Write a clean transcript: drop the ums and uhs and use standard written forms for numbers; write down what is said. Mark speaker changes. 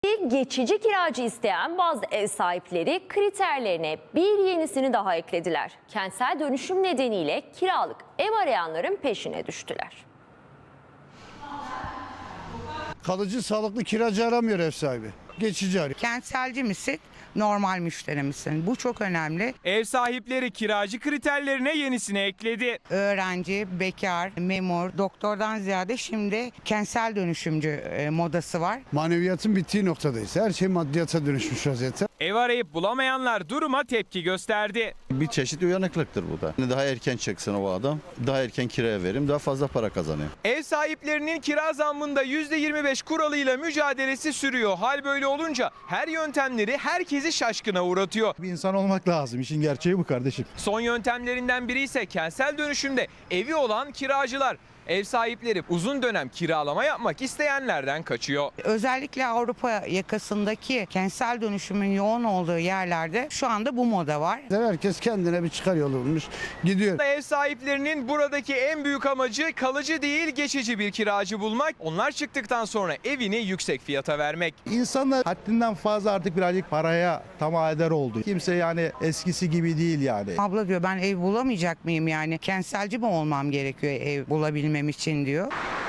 Speaker 1: Geçici kiracı isteyen bazı ev sahipleri kriterlerine bir yenisini daha eklediler. Kentsel dönüşüm nedeniyle kiralık ev arayanların peşine düştüler.
Speaker 2: Kalıcı sağlıklı kiracı aramıyor ev sahibi. Geçici arıyor.
Speaker 3: Kentselci misin, normal müşteri misin? Bu çok önemli.
Speaker 4: Ev sahipleri kiracı kriterlerine yenisini ekledi.
Speaker 3: Öğrenci, bekar, memur, doktordan ziyade şimdi kentsel dönüşümcü modası var.
Speaker 2: Maneviyatın bittiği noktadayız. Her şey maddiyata dönüşmüş vaziyette.
Speaker 4: Ev arayıp bulamayanlar duruma tepki gösterdi.
Speaker 5: Bir çeşit uyanıklıktır bu da. Daha erken çıksın o adam, daha erken kiraya verim, daha fazla para kazanıyor.
Speaker 4: Ev sahiplerinin kira zammında %25 kuralıyla mücadelesi sürüyor. Hal böyle olunca her yöntemleri herkesi şaşkına uğratıyor.
Speaker 6: Bir insan olmak lazım. İşin gerçeği bu kardeşim.
Speaker 4: Son yöntemlerinden biri ise kentsel dönüşümde evi olan kiracılar. Ev sahipleri uzun dönem kiralama yapmak isteyenlerden kaçıyor.
Speaker 3: Özellikle Avrupa yakasındaki kentsel dönüşümün yoğun olduğu yerlerde şu anda bu moda var.
Speaker 2: Herkes kendine bir çıkar yolu bulmuş gidiyor.
Speaker 4: Ev sahiplerinin buradaki en büyük amacı kalıcı değil geçici bir kiracı bulmak. Onlar çıktıktan sonra evini yüksek fiyata vermek.
Speaker 6: İnsanlar haddinden fazla artık birazcık paraya tamah oldu. Kimse yani eskisi gibi değil yani.
Speaker 3: Abla diyor ben ev bulamayacak mıyım yani? Kentselci mi olmam gerekiyor ev bulabilmem için diyor.